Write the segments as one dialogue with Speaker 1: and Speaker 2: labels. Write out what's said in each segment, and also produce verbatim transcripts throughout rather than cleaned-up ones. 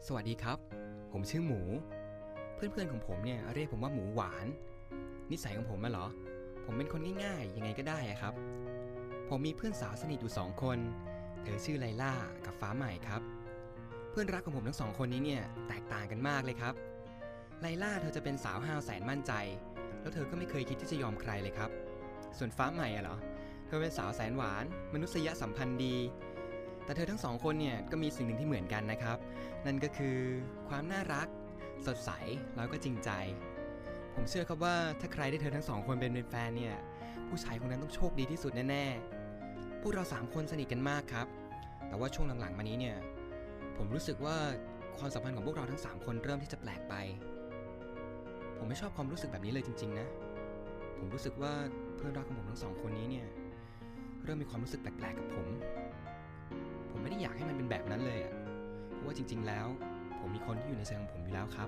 Speaker 1: สวัสดีครับผมชื่อหมูเพื่อนๆของผมเนี่ยเรียกผมว่าหมูหวานนิสัยของผมอะเหรอผมเป็นคนง่ายๆยังไงก็ได้อะครับผมมีเพื่อนสาวสนิทอยู่สองคนเธอชื่อไลล่ากับฟ้าใหม่ครับเพื่อนรักของผมทั้งสองคนนี้เนี่ยแตกต่างกันมากเลยครับไลล่าเธอจะเป็นสาวห้าวแสนมั่นใจแล้วเธอก็ไม่เคยคิดที่จะยอมใครเลยครับส่วนฟ้าใหม่อะเหรอเธอเป็นสาวแสนหวานมนุษยสัมพันธ์ดีแต่เธอทั้งสองคนเนี่ยก็มีสิ่งหนึ่งที่เหมือนกันนะครับนั่นก็คือความน่ารักสดใสแล้วก็จริงใจผมเชื่อครับว่าถ้าใครได้เธอทั้งสองคนเป็นแฟนเนี่ยผู้ชายคนนั้นต้องโชคดีที่สุดแน่ๆพวกเราสามคนสนิทกันมากครับแต่ว่าช่วงหลังๆมานี้เนี่ยผมรู้สึกว่าความสัมพันธ์ของพวกเราทั้งสามคนเริ่มที่จะแปลกไปผมไม่ชอบความรู้สึกแบบนี้เลยจริงๆนะผมรู้สึกว่าเพื่อนรักของผมทั้งสองคนนี้เนี่ยเริ่มมีความรู้สึกแปลกๆกับผมผมไม่ได้อยากให้มันเป็นแบบนั้นเลยอะเพราะว่าจริงๆแล้วผมมีคนที่อยู่ในใจของผมอยู่แล้วครับ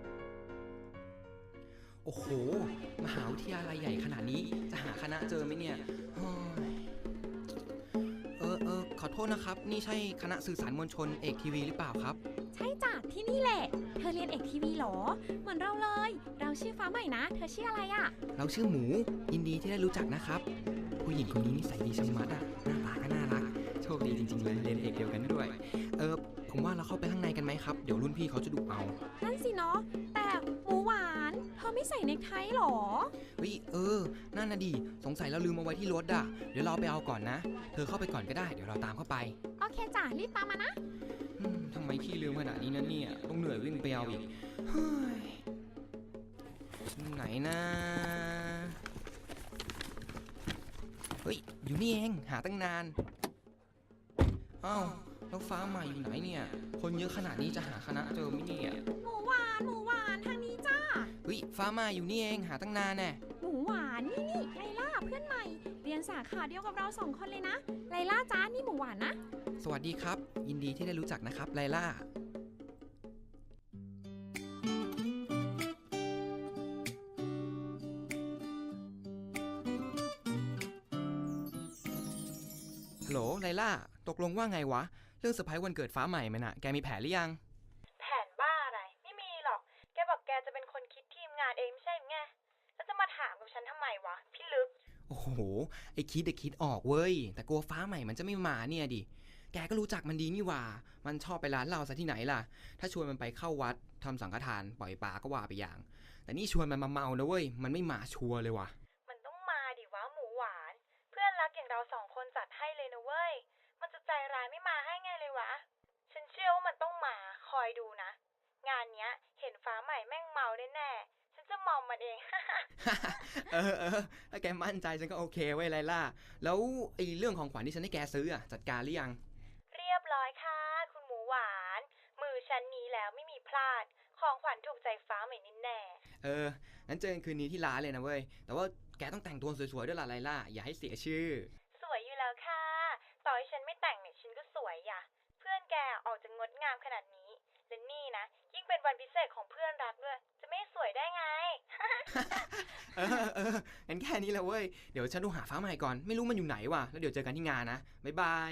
Speaker 1: โอ้โหมหาวิทยาลัยใหญ่ขนาดนี้จะหาคณะเจอไหมเนี่ยเออเออขอโทษนะครับนี่ใช่คณะสื่อสารมวลชนเอกทีวีหรือเปล่าครับ
Speaker 2: ใช่จ้ะที่นี่แหละเธอเรียนเอกทีวีหรอเหมือนเราเลยเราชื่อฟ้าใหม่นะเธอชื่ออะไรอะ
Speaker 1: เราชื่อหมูยินดีที่ได้รู้จักนะครับผู้หญิงคนนี้นิสัยดีชะมัดอะหน้าตาก็น่ารักโชคดีจริงๆเลยเรียนเอกเดียวกันด้วยเออผมว่าเราเข้าไปข้างในกันไหมครับเดี๋ยวรุ่นพี่เขาจะดุเอา
Speaker 2: นั่นสิเนาะแต่หมูหวานเธอไม่ใส่เนคไทหรอ
Speaker 1: เฮ้ยเออนั่นน่ะดิสงสัยเราลืมเอาไว้ที่รถอะเดี๋ยวเราไปเอาก่อนนะเธอเข้าไปก่อนก็ได้เดี๋ยวเราตามเข้าไป
Speaker 2: โอเคจ้ะรีบตามมานะ
Speaker 1: ทำไมพี่ลืมขนาดนี้นะเนี่ยต้องเหนื่อยวิ่งไปเอาอีกเฮ้ยไหนนะเฮ้ยอยู่นี่เองหาตั้งนานอ้าวแล้วฟ้าใหม่อยู่ไหนเนี่ยคนเยอะขนาดนี้จะหาคณะเจอไหมเนี่ย
Speaker 2: หมูหวานหมูหวานทางนี้จ้า
Speaker 1: เฮ้ยฟ้าใหม่อยู่นี่เองหาตั้งนานแน่
Speaker 2: หมูหวานนี่นี่ไลล่าเพื่อนใหม่เรียนสาขาเดียวกับเราสองคนเลยนะไลล่าจ้านี่หมูหวานนะ
Speaker 1: สวัสดีครับยินดีที่ได้รู้จักนะครับไลล่าฮัลโหลไลล่าตกลงว่าไงวะเรื่องเซอร์ไพรส์วันเกิดฟ้าใหม่มันอะแกมีแผนหรือยัง
Speaker 3: แผนบ้าอะไรไม่มีหรอกแกบอกแกจะเป็นคนคิดทีมงานเองไม่ใช่ไงแล้วจะมาถามกับฉันทำไมวะพี่ลึก
Speaker 1: โอ้โหไอคิดเด็กคิดออกเว้ยแต่กลัวฟ้าใหม่มันจะไม่มาเนี่ยดิแกก็รู้จักมันดีนี่ว่ามันชอบไปร้านเราซะที่ไหนล่ะถ้าชวนมันไปเข้าวัดทำสังฆทานปล่อยปลาก็ว่าไปอย่างแต่นี่ชวนมันมาเมานะเว้ยมันไม่มาชัวร์เลยว่ะ
Speaker 3: มันต้องมาดิวะหมูหวานเพื่อนรักอย่างเราสองคนจัดให้เลยนะเว้ยมันจะใจร้ายไม่มาให้ไงเลยวะฉันเชื่อว่ามันต้องมาคอยดูนะงานเนี้ยเห็นฟ้าใหม่แม่งเมาแน่ๆฉันจะมอมมันเอง
Speaker 1: เออเออถ้าแกมั่นใจฉันก็โอเคไว้ไลล่าแล้วไอเรื่องของขวัญที่ฉันให้แกซื้ออะจัดการหรือยัง
Speaker 3: เรียบร้อยค่ะคุณหมูหวานมือฉันนี้แล้วไม่มีพลาดของขวัญถูกใจฟ้าใหม่แน่
Speaker 1: เอองั้นเจอกันคืนนี้ที่ร้านเลยนะเว้ยแต่ว่าแกต้องแต่งตัวสวยๆด้วยล่ะไลล่าอย่าให้เสียชื่อ
Speaker 3: สวยอยู่แล้วค่ะต่อให้ฉันไม่แต่งเนี่ยฉันก็สวยอ่ะเพื่อนแกออกจะงดงามขนาดนี้และนี่นะยิ่งเป็นวันพิเศษของเพื่อนรักด้วยจะไม่สวยได้ไง
Speaker 1: เออเอองั้นแค่นี้แหละเว้ยเดี๋ยวฉันดูหาฟ้าใหม่ก่อนไม่รู้มันอยู่ไหนว่ะแล้วเดี๋ยวเจอกันที่งานนะบ๊ายบาย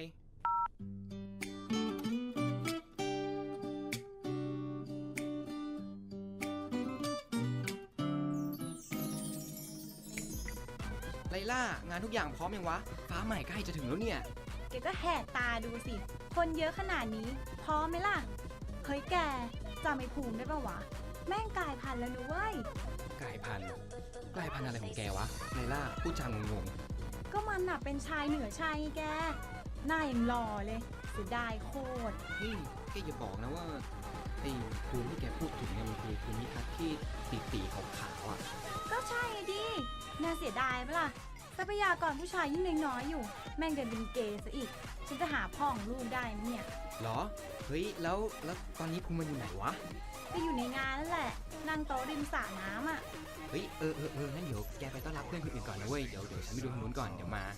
Speaker 1: ไลล่างานทุกอย่างพร้อมยังวะฟ้าใหม่ใกล้จะถึงแล้วเนี่ย
Speaker 2: แกก็แหกตาดูสิคนเยอะขนาดนี้พร้อมไหมล่ะเฮ้ยแกจำไอ้ภูมิได้ปะวะแม่งกลายพันธุ์แล้วนุ้ย
Speaker 1: กลายพันธุ์กลายพันธุ์อะไรของแกวะไลล่าพูดจางง
Speaker 2: ๆก็มันน่ะเป็นชายเหนือชายแกหน้ายังหล่อเลยเสียดายโคตร
Speaker 1: เฮ้ยแกอย่าบอกนะว่าไอ้ภูมิที่แกพูดถึงเนี่ยมันคือภูมิทัศน์ที่ตีตีขาวๆอ่ะ
Speaker 2: ก็ใช่ดิน่าเสียดายปะล่ะทรัพยากรผู้ชายยิ่งน้อยอยู่แม่งเดินเป็นเกย์ซะอีกฉันจะหาพ่อของลูกได้ไหมเนี่ย
Speaker 1: หรอเฮ้ยแล้วแล้วตอนนี้ภูมิมันอยู่ไหนวะ
Speaker 2: ก็อยู่ในงานนั่นแหละนั่งโต๊ะริมสระน้ำอ่ะ
Speaker 1: เฮ้ยเออเออเอองั้นเดี๋ยวแกไปต้อนรับเพื่อนคนอื่นก่อนนะเว้ยเดี๋ยวเดี๋ยวฉันไปดูทางนู้นก่อนเดี๋ยวมา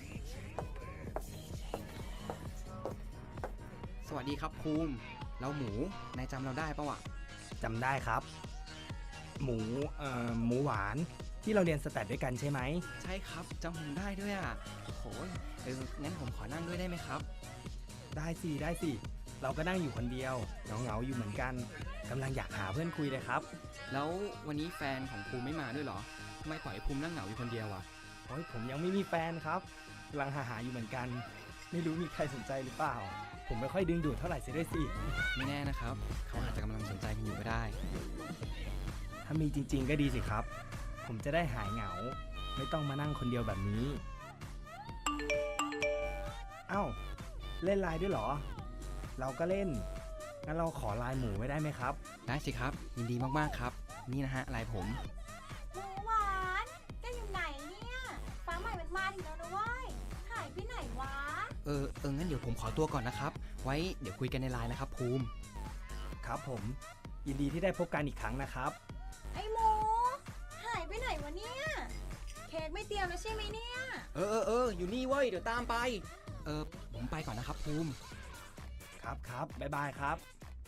Speaker 1: สวัสดีครับภูมิเราหมูนายจำเราได้ปะวะ
Speaker 4: จำได้ครับหมูเอ่อหมูหวานที่เราเรียนสแตทด้วยกันใช่ไหม
Speaker 1: ใช่ครับจำผมได้ด้วยอ่ะโอ้โหเอองั้นผมขอนั่งด้วยได้ไหมครับ
Speaker 4: ได้สิได้สิเราก็นั่งอยู่คนเดียวเหงาๆอยู่เหมือนกันกำลังอยากหาเพื่อนคุยเลยครับ
Speaker 1: แล้ววันนี้แฟนของภูมิไม่มาด้วยเหรอทำไมปล่อยให้ภูมินั่งเหงาอยู่คนเดียวอ่ะ
Speaker 4: โอ้ยผมยังไม่มีแฟนครับกำลังหาหาอยู่เหมือนกัน ไม่รู้มีใครสนใจหรือเปล่า ผมไม่ค่อยดึงดูดเท่าไหร่เสียด้วยสิ
Speaker 1: ไม่แน่นะครับ เขาอาจจะกำลังสนใจกันอยู่ก็ได้
Speaker 4: ถ้ามีจริงๆก็ดีสิครับ ผมจะได้หายเหงา ไม่ต้องมานั่งคนเดียวแบบนี้ เอ้า เล่นไลน์ด้วยเหรอ เราก็เล่น งั้นเราขอไลน์หมูไว้ได้ไหมครับ
Speaker 1: ได้สิครับ ยินดีมากๆครับ นี่นะฮะไลน์ผม
Speaker 2: หมูหวานแกอยู่ไหนเนี่ย ฟ้าใหม่มันมาถึงแล้วนะเว้ย หายไปไหนวะ
Speaker 1: เออเอองั้นเดี๋ยวผมขอตัวก่อนนะครับ ไว้เดี๋ยวคุยกันในไลน์นะครับภูมิ
Speaker 4: ครับผม ยินดีที่ได้พบกันอีกครั้งนะครับ
Speaker 2: ไอ้หมู หายไปไหนวะเนี่ย เค้กไม่เตรียมแล้วใช่ไหมเนี่ย
Speaker 1: เออเออเอออยู่นี่เว้ย เดี๋ยวตามไป เออผมไปก่อนนะครับภูมิ
Speaker 4: ครับครับบ๊ายบายครับ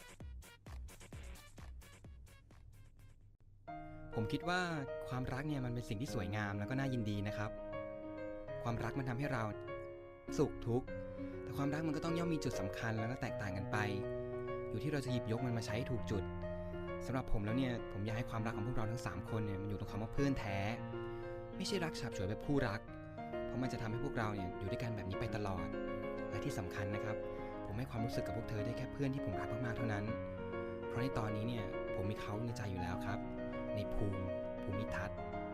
Speaker 1: ผมคิดว่าความรักเนี่ยมันเป็นสิ่งที่สวยงามแล้วก็น่ายินดีนะครับ ความรักมันทำให้เราสุขทุกข์ แต่ความรักมันก็ต้องย่อมมีจุดสำคัญแล้วก็แตกต่างกันไป อยู่ที่เราจะหยิบยกมันมาใช้ให้ถูกจุดสำหรับผมแล้วเนี่ยผมอยากให้ความรักของพวกเราทั้งสามคนเนี่ยมันอยู่ตรงคำว่าเพื่อนแท้ ไม่ใช่รักฉับฉวยแบบคู่รัก เพราะมันจะทำให้พวกเราเนี่ยอยู่ด้วยกันแบบนี้ไปตลอด และที่สำคัญนะครับผมให้ความรู้สึกกับพวกเธอได้แค่เพื่อนที่ผมรักมากๆเท่านั้น เพราะในตอนนี้เนี่ยผมมีเขาในใจอยู่แล้วครับ ในภูมิภูมิทัศน์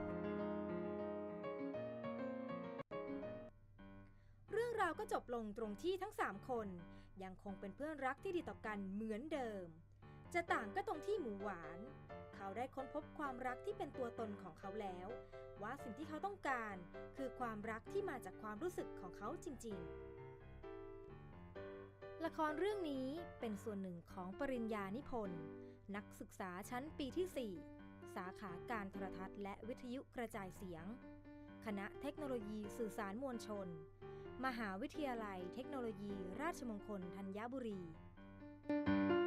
Speaker 5: เรื่องราวก็จบลงตรงที่ทั้งสามคนยังคงเป็นเพื่อนรักที่ดีต่อกันเหมือนเดิม จะต่างก็ตรงที่หมูหวาน เขาได้ค้นพบความรักที่เป็นตัวตนของเขาแล้ว ว่าสิ่งที่เขาต้องการคือความรักที่มาจากความรู้สึกของเขาจริงๆ ละครเรื่องนี้เป็นส่วนหนึ่งของปริญญานิพนธ์นักศึกษาชั้นปีที่ สี่ สาขาการโทรทัศน์และวิทยุกระจายเสียง คณะเทคโนโลยีสื่อสารมวลชน มหาวิทยาลัยเทคโนโลยีราชมงคลธัญบุรี